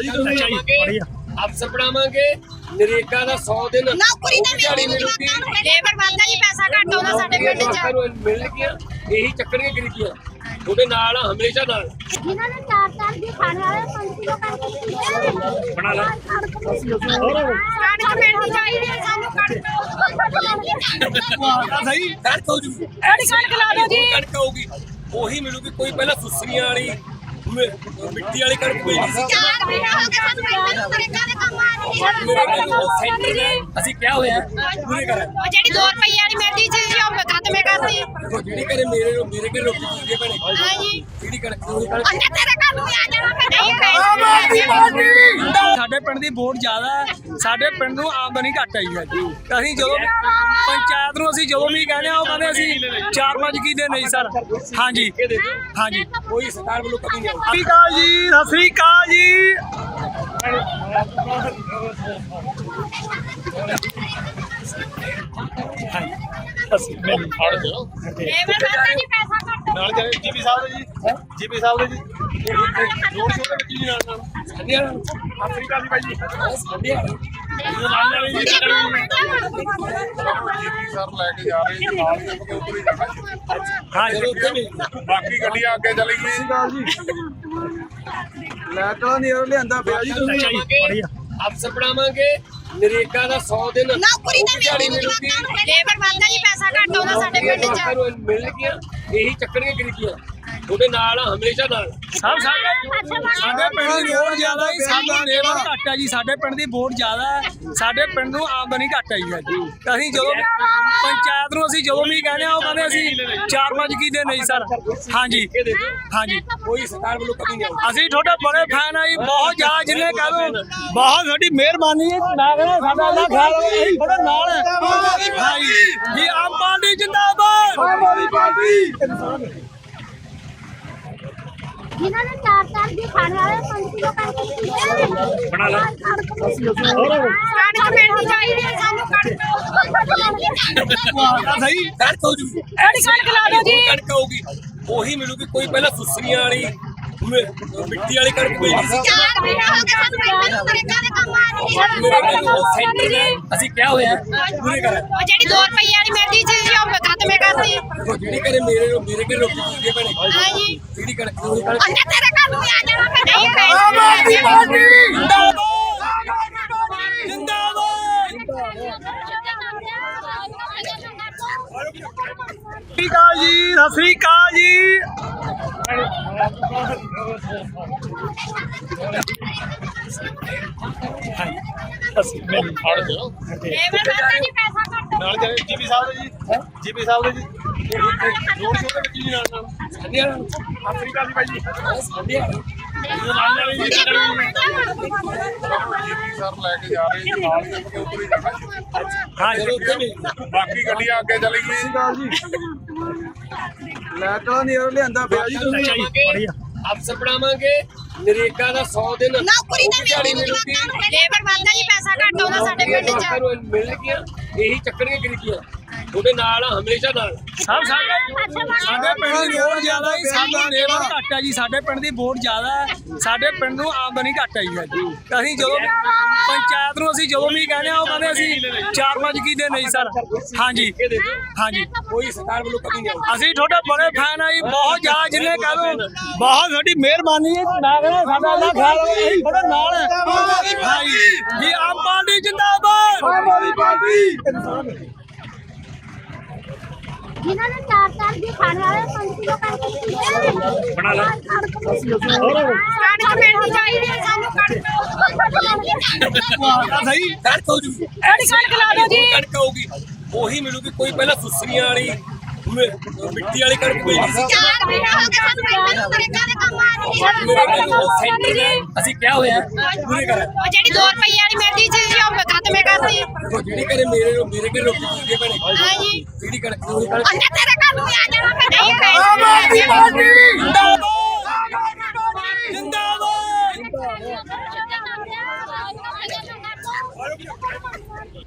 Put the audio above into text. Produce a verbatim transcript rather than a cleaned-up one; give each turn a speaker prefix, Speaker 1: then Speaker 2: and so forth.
Speaker 1: ਜੀ ਤੁਸੀਂ ਅਫਸਰ ਬਣਾਵਾਂਗੇ ਨਰੇਗਾ ਦਾ सौ दिन
Speaker 2: ਨੌਕਰੀ ਤੇ
Speaker 1: ਦਿਹਾੜੀ ਮਿਲੂਗੀ
Speaker 2: ਲੇਬਰ ਬੰਦਾ ਜੀ ਪੈਸਾ ਘੱਟ ਆਉਂਦਾ ਸਾਡੇ ਪਿੰਡ ਚ
Speaker 1: ਮਿਲ ਗਿਆ ਇਹੀ ਚੱਕਰੀਆਂ ਗਰੀਬੀਆਂ ਤੁਹਾਡੇ ਨਾਲ ਹਮੇਸ਼ਾ ਨਾਲ
Speaker 2: ਜਿਨ੍ਹਾਂ ਨੇ ਚਾਰ ਚਾਰ ਦੀ ਖਾਣੇ ਵਾਲੇ ਪੰਜ ਕਿਲੋ ਕਰਕੇ
Speaker 1: ਬਣਾ ਲਾ
Speaker 2: ਕਣਕ ਮਿਲਣੀ ਚਾਹੀਦੀ ਹੈ ਸਾਨੂੰ ਕਣਕ
Speaker 1: ਸਹੀ ਕਣਕ ਹੋ ਜੂ
Speaker 2: ਐਡੀ ਕਣਕ ਲਾ ਦਿਓ ਜੀ
Speaker 1: ਕਣਕ ਹੋਊਗੀ ਉਹੀ ਮਿਲੂਗੀ ਕੋਈ ਪਹਿਲਾਂ ਸੁਸਰੀਆਂ ਵਾਲੀ ਮਿੱਟੀ ਵਾਲੀ ਕਣਕ ਮਿਲਦੀ ਸੀ
Speaker 2: ਚਾਰ ਮਹੀਨੇ ਹੋ ਗਏ ਸਾਨੂੰ ਪਿੰਡ ਨੂੰ ਨਰੇਗਾ ਦੇ ਕੰਮ ਆ ਨਹੀਂ
Speaker 1: ਸੈਂਟਰ ਨੇ ਅਸੀਂ ਕਿਹਾ ਹੋਇਆ ਪੂਰੇ ਕਰਾਂ
Speaker 2: ਉਹ ਜਿਹੜੀ ਦੋ ਰੁਪਈਏ ਵਾਲੀ ਮਿਲਦੀ ਸੀ ਜੀ ਉਹ ਖਤਮੇ ਕਰਤੀ
Speaker 1: ਦੇਖੋ ਜਿਹੜੀ ਕਰੇ ਮੇਰੇ ਮੇਰੇ ਕੇ ਰੋਟੀ ਪੀਂਦੇ ਬਣੇ
Speaker 2: ਹਾਂਜੀ
Speaker 1: ਜਿਹੜੀ ਕਣਕ ਉਹੀ ਕਣਕ
Speaker 2: ਅੰਨੇ ਤੇਰੇ ਘਰ ਨੂੰ ਆ ਜਾਣਾ ਫਿਰ ਨਹੀਂ ਖਾਈ
Speaker 3: ਸਾਡੇ ਪਿੰਡ ਦੀ ਵੋਟ ਜ਼ਿਆਦਾ ਹੈ ਸਾਡੇ ਪਿੰਡ ਨੂੰ ਆਮਦਨੀ ਘੱਟ ਆਈ ਹੈ ਜੀ ਅਸੀਂ ਜਦੋਂ ਪੰਚਾਇਤ ਨੂੰ ਅਸੀਂ ਜਦੋਂ ਵੀ ਕਹਿੰਦੇ ਆ ਉਹ ਕਹਿੰਦੇ ਅਸੀਂ ਚਾਰ ਪੰਜ ਕੀ ਦੇ ਨਹੀਂ ਸਰ ਹਾਂਜੀ ਹਾਂਜੀ
Speaker 1: ਕੋਈ ਸਰਕਾਰ ਵੱਲੋਂ ਕਮੀ ਨਹੀਂ
Speaker 3: ਸਤਿ ਸ਼੍ਰੀ ਅਕਾਲ ਜੀ ਸਤਿ ਸ਼੍ਰੀ ਅਕਾਲ ਜੀ ਅਸੀਂ ਮੈਨੂੰ ਫੜ ਦਿਓ
Speaker 2: ਲੇਬਰ ਬੰਦਾ ਜੀ ਪੈਸਾ ਘੱਟ
Speaker 3: ਨਾਲ ਜੀਪੀ ਸਾਹਿਬ ਦੇ ਜੀ ਜੀਪੀ ਸਾਹਿਬ ਦੇ ਜੀ ਰੋਡ ਸ਼ੋਅ ਦੇ ਵਿੱਚ ਜੀ ਨਾਲ ਨਾਲ
Speaker 1: ਸੰਧਿਆ
Speaker 3: ਸਤਿ ਸ਼੍ਰੀ ਅਕਾਲ ਜੀ ਬਾਈ ਜੀ
Speaker 1: ਸੰਧਿਆ
Speaker 3: ਨਾਲ ਨਾਲ ਜੀ
Speaker 4: ਸਰ ਲੈ ਕੇ ਜਾ ਰਹੇ ਜੀ ਨਾਲ ਹੀ ਆਪਾਂ ਉੱਪਰ ਹੀ ਜਾਣਾ
Speaker 3: ਹਾਂ ਜੀ
Speaker 4: ਬਾਕੀ ਗੱਡੀਆਂ ਅੱਗੇ ਚਲੀ ਗਈ
Speaker 3: ਲੈਟਾਂ ਨਹੀਂ ਉਹ ਲਿਆਂਦਾ ਪਿਆ ਜੀ ਤੁਸੀਂ ਬੜੀਆ
Speaker 1: ਅਫਸਰ ਬਣਾਵਾਂਗੇ ਨਰੇਗਾ ਦਾ सौ दिन
Speaker 2: ਨੌਕਰੀ ਤੇ
Speaker 1: ਦਿਹਾੜੀ ਮਿਲੂਗੀ
Speaker 2: ਲੇਬਰ ਬੰਦਾ ਜੀ ਪੈਸਾ ਘੱਟ ਆਉਂਦਾ ਸਾਡੇ ਪਿੰਡ ਚ
Speaker 1: ਮਿਲ ਗਿਆ ਇਹੀ ਚੱਕਰੀਆਂ ਗਰੀਬੀਆਂ ਤੁਹਾਡੇ ਨਾਲ ਹਮੇਸ਼ਾ ਨਾਲ
Speaker 3: ਸਭ ਸਾਡੇ ਸਾਡੇ ਪਿੰਡ ਦੀ ਵੋਟ ਜ਼ਿਆਦਾ ਹੈ ਸਾਡਾ ਲੇਬਰ ਘੱਟ ਹੈ ਜੀ ਸਾਡੇ ਪਿੰਡ ਦੀ ਵੋਟ ਜ਼ਿਆਦਾ ਹੈ ਸਾਡੇ ਪਿੰਡ ਨੂੰ ਆਮਦਨੀ ਘੱਟ ਆਈ ਹੈ ਜੀ ਅਸੀਂ ਜਦੋਂ ਪੰਚਾਇਤ ਨੂੰ ਅਸੀਂ ਜਦੋਂ ਵੀ ਕਹਿੰਦੇ ਆ ਉਹ ਕਹਿੰਦੇ ਅਸੀਂ ਚਾਰ ਪੰਜ ਕੀ ਦੇ ਨਹੀਂ ਸਰ ਹਾਂਜੀ ਹਾਂਜੀ
Speaker 1: ਕੋਈ ਸਰਕਾਰ ਵੱਲੋਂ ਕਮੀ ਨਹੀਂ
Speaker 3: ਅਸੀਂ ਤੁਹਾਡੇ ਬੜੇ ਫੈਨ ਆ ਜੀ ਬਹੁਤ ਜ਼ਿਆਦਾ ਜਿੰਨੇ ਕਹਿ ਦੋ ਬਹੁਤ ਸਾਡੀ ਮਿਹਰਬਾਨੀ ਹੈ ਮੈਂ ਕਹਿੰਦਾ ਸਾਡਾ ਅੱਲਾ ਖਿਆਲ ਰੱਖੇ ਅਸੀਂ ਤੁਹਾਡੇ ਨਾਲ ਹੈ ਹਾਂਜੀ ਜੀ ਆਮ ਪਾਰਟੀ ਜਿੰਦਾਬਾਦ ਆਮ ਆਦਮੀ ਪਾਰਟੀ
Speaker 2: ਜਿਨ੍ਹਾਂ ਨੇ ਚਾਰ ਚਾਰ ਦੀ ਖਾਣੇ ਵਾਲੇ ਪੰਜ ਕਿਲੋ ਕਰਕੇ
Speaker 1: ਬਣਾ ਲਾ
Speaker 2: ਕਣਕ ਮਿਲਣੀ ਚਾਹੀਦੀ ਹੈ ਸਾਨੂੰ ਕਣਕ
Speaker 3: ਸਹੀ
Speaker 1: ਕਣਕ ਹੋ ਜੂ
Speaker 2: ਐਡੀ ਕਣਕ ਲਾ ਦਿਓ ਜੀ
Speaker 1: ਕਣਕ ਹੋਊਗੀ ਉਹੀ ਮਿਲੂਗੀ ਕੋਈ ਪਹਿਲਾਂ ਸੁਸਰੀਆਂ ਵਾਲੀ ਮਿੱਟੀ ਵਾਲੀ ਕਣਕ ਮਿਲਦੀ ਸੀ
Speaker 2: ਚਾਰ ਮਹੀਨੇ ਹੋ ਗਏ ਸਾਨੂੰ ਪਿੰਡ ਨੂੰ ਨਰੇਗਾ ਦੇ ਕੰਮ ਆ ਨਹੀਂ
Speaker 1: ਸੈਂਟਰ ਨੇ ਅਸੀਂ ਕਿਹਾ ਹੋਇਆ ਪੂਰੇ ਕਰਾਂ
Speaker 2: ਉਹ ਜਿਹੜੀ ਦੋ ਰੁਪਈਏ ਵਾਲੀ ਮਿਲਦੀ ਸੀ ਜੀ ਉਹ ਖਤਮੇ ਕਰਤੀ
Speaker 1: ਦੇਖੋ ਜਿਹੜੀ ਕਰੇ ਮੇਰੇ ਮੇਰੇ ਕੇ ਰੋਟੀ ਪੀਂਦੇ ਬਣੇ
Speaker 2: ਹਾਂਜੀ
Speaker 1: ਜਿਹੜੀ ਕਣਕ ਉਹੀ ਕਣਕ
Speaker 2: ਅੰਨੇ ਤੇਰੇ ਘਰ ਨੂੰ ਆ ਜਾਣਾ ਫਿਰ ਨਹੀਂ ਖਾਈ
Speaker 3: ਸਤਿ ਸ਼੍ਰੀ ਅਕਾਲ ਜੀ ਸਤਿ ਸ਼੍ਰੀ ਅਕਾਲ ਜੀ ਅਸੀਂ ਮੈਨੂੰ ਫੜ ਦਿਓ
Speaker 2: ਲੇਬਰ ਬੰਦਾ ਜੀ ਪੈਸਾ ਘੱਟ
Speaker 3: ਨਾਲ ਜੀਪੀ ਸਾਹਿਬ ਦੇ ਜੀ ਜੀਪੀ ਸਾਹਿਬ ਦੇ ਜੀ ਰੋਡ ਸ਼ੋਅ ਦੇ ਵਿੱਚ ਜੀ ਨਾਲ ਨਾਲ
Speaker 1: ਸੰਧਿਆ
Speaker 3: ਸਤਿ ਸ਼੍ਰੀ ਅਕਾਲ ਜੀ ਬਾਈ ਜੀ
Speaker 1: ਸੰਧਿਆ
Speaker 3: ਨਾਲ ਨਾਲ ਜੀ
Speaker 4: ਸਰ ਲੈ ਕੇ ਜਾ ਰਹੇ ਜੀ ਨਾਲ ਹੀ ਆਪਾਂ ਉੱਪਰ ਹੀ ਜਾਣਾ
Speaker 3: ਹਾਂ ਜੀ
Speaker 4: ਬਾਕੀ ਗੱਡੀਆਂ ਅੱਗੇ ਚਲੀ ਗਈ
Speaker 3: ਲੈਟਾਂ ਨਹੀਂ ਉਹ ਲਿਆਂਦਾ ਪਿਆ ਜੀ ਤੁਸੀਂ ਬੜੀਆ
Speaker 1: ਅਫਸਰ ਬਣਾਵਾਂਗੇ ਨਰੇਗਾ ਦਾ सौ दिन
Speaker 2: ਨੌਕਰੀ ਤੇ
Speaker 1: ਦਿਹਾੜੀ ਮਿਲੂਗੀ
Speaker 2: ਲੇਬਰ ਬੰਦਾ ਜੀ ਪੈਸਾ ਘੱਟ ਆਉਂਦਾ ਸਾਡੇ ਪਿੰਡ ਚ
Speaker 1: ਮਿਲ ਗਿਆ ਇਹੀ ਚੱਕਰੀਆਂ ਗਰੀਬੀਆਂ ਤੁਹਾਡੇ ਨਾਲ ਹਮੇਸ਼ਾ ਨਾਲ
Speaker 3: ਸਭ ਸਾਡੇ ਸਾਡੇ ਪਿੰਡ ਦੀ ਵੋਟ ਜ਼ਿਆਦਾ ਹੈ ਸਾਡਾ ਲੇਬਰ ਘੱਟ ਹੈ ਜੀ ਸਾਡੇ ਪਿੰਡ ਦੀ ਵੋਟ ਜ਼ਿਆਦਾ ਹੈ ਸਾਡੇ ਪਿੰਡ ਨੂੰ ਆਮਦਨੀ ਘੱਟ ਆਈ ਹੈ ਜੀ ਅਸੀਂ ਜਦੋਂ ਪੰਚਾਇਤ ਨੂੰ ਅਸੀਂ ਜਦੋਂ ਵੀ ਕਹਿੰਦੇ ਆ ਉਹ ਕਹਿੰਦੇ ਅਸੀਂ ਚਾਰ ਪੰਜ ਕੀ ਦੇ ਨਹੀਂ ਸਰ ਹਾਂਜੀ ਹਾਂਜੀ
Speaker 1: ਕੋਈ ਸਰਕਾਰ ਵੱਲੋਂ ਕਮੀ ਨਹੀਂ
Speaker 3: ਅਸੀਂ ਤੁਹਾਡੇ ਬੜੇ ਫੈਨ ਆ ਜੀ ਬਹੁਤ ਜ਼ਿਆਦਾ ਜਿੰਨੇ ਕਹਿ ਦੋ ਬਹੁਤ ਸਾਡੀ ਮਿਹਰਬਾਨੀ ਹੈ ਮੈਂ ਕਹਿੰਦਾ ਸਾਡਾ ਅੱਲਾ ਖਿਆਲ ਰੱਖੇ ਅਸੀਂ ਤੁਹਾਡੇ ਨਾਲ ਹੈ ਹਾਂਜੀ ਜੀ ਆਮ ਪਾਰਟੀ ਜਿੰਦਾਬਾਦ ਆਮ ਆਦਮੀ ਪਾਰਟੀ
Speaker 2: ਜਿਨ੍ਹਾਂ ਨੇ ਚਾਰ ਚਾਰ ਦੀ ਖਾਣੇ ਵਾਲੇ ਪੰਜ ਕਿਲੋ ਕਰਕੇ
Speaker 1: ਬਣਾ ਲਾ
Speaker 2: ਕਣਕ ਮਿਲਣੀ ਚਾਹੀਦੀ ਹੈ ਸਾਨੂੰ ਕਣਕ
Speaker 3: ਸਹੀ
Speaker 1: ਕਣਕ ਹੋ ਜੂ
Speaker 2: ਐਡੀ ਕਣਕ ਲਾ ਦਿਓ ਜੀ
Speaker 1: ਕਣਕ ਹੋਊਗੀ ਉਹੀ ਮਿਲੂਗੀ ਕੋਈ ਪਹਿਲਾਂ ਸੁਸਰੀਆਂ ਵਾਲੀ ਮਿੱਟੀ ਵਾਲੀ ਕਣਕ ਮਿਲਦੀ ਸੀ
Speaker 2: ਚਾਰ ਮਹੀਨੇ ਹੋ ਗਏ ਸਾਨੂੰ ਪਿੰਡ ਨੂੰ ਨਰੇਗਾ ਦੇ ਕੰਮ ਆ ਨਹੀਂ
Speaker 1: ਸੈਂਟਰ ਨੇ ਅਸੀਂ ਕਿਹਾ ਹੋਇਆ ਪੂਰੇ ਕਰਾਂ
Speaker 2: ਉਹ ਜਿਹੜੀ ਦੋ ਰੁਪਈਏ ਵਾਲੀ ਮਿਲਦੀ ਸੀ ਜੀ ਉਹ ਖਤਮੇ ਕਰਤੀ
Speaker 1: ਦੇਖੋ ਜਿਹੜੀ ਕਰੇ ਮੇਰੇ ਮੇਰੇ ਕੇ ਰੋਟੀ ਪੀਂਦੇ ਬਣੇ
Speaker 2: ਹਾਂਜੀ
Speaker 1: ਜਿਹੜੀ ਕਣਕ ਉਹੀ ਕਣਕ
Speaker 2: ਅੰਨੇ ਤੇਰੇ ਘਰ ਨੂੰ ਆ ਜਾਣਾ ਫਿਰ ਨਹੀਂ ਖਾਈ